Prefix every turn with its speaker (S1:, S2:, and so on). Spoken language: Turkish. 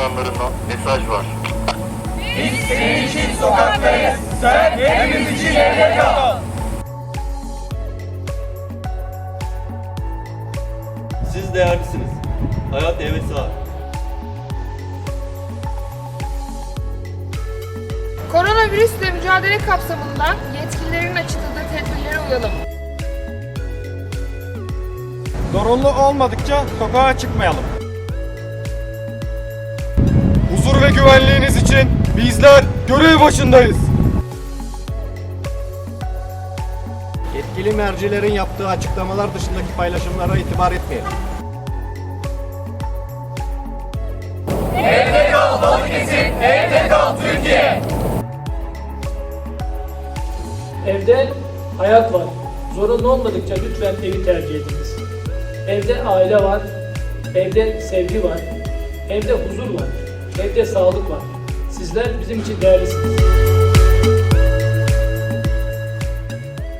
S1: sloganlarından mesaj var.
S2: Biz senin için sokaktayız. Sen hepimiz için evde kal.
S3: Siz değerlisiniz. Hayat hevesi var.
S4: Koronavirüsle mücadele kapsamında yetkililerin açıkladığı tedbirlere uyalım.
S5: Zorunlu olmadıkça sokağa çıkmayalım. Huzur ve güvenliğiniz için bizler görev başındayız.
S6: Yetkili mercilerin yaptığı açıklamalar dışındaki paylaşımlara itibar etmeyelim.
S2: Evde kal Balıkesir, evde kal Türkiye.
S7: Evde hayat var. Zorunlu olmadıkça lütfen evi tercih ediniz. Evde aile var, evde sevgi var, evde huzur var, evde sağlık var. Sizler bizim için değerlisiniz.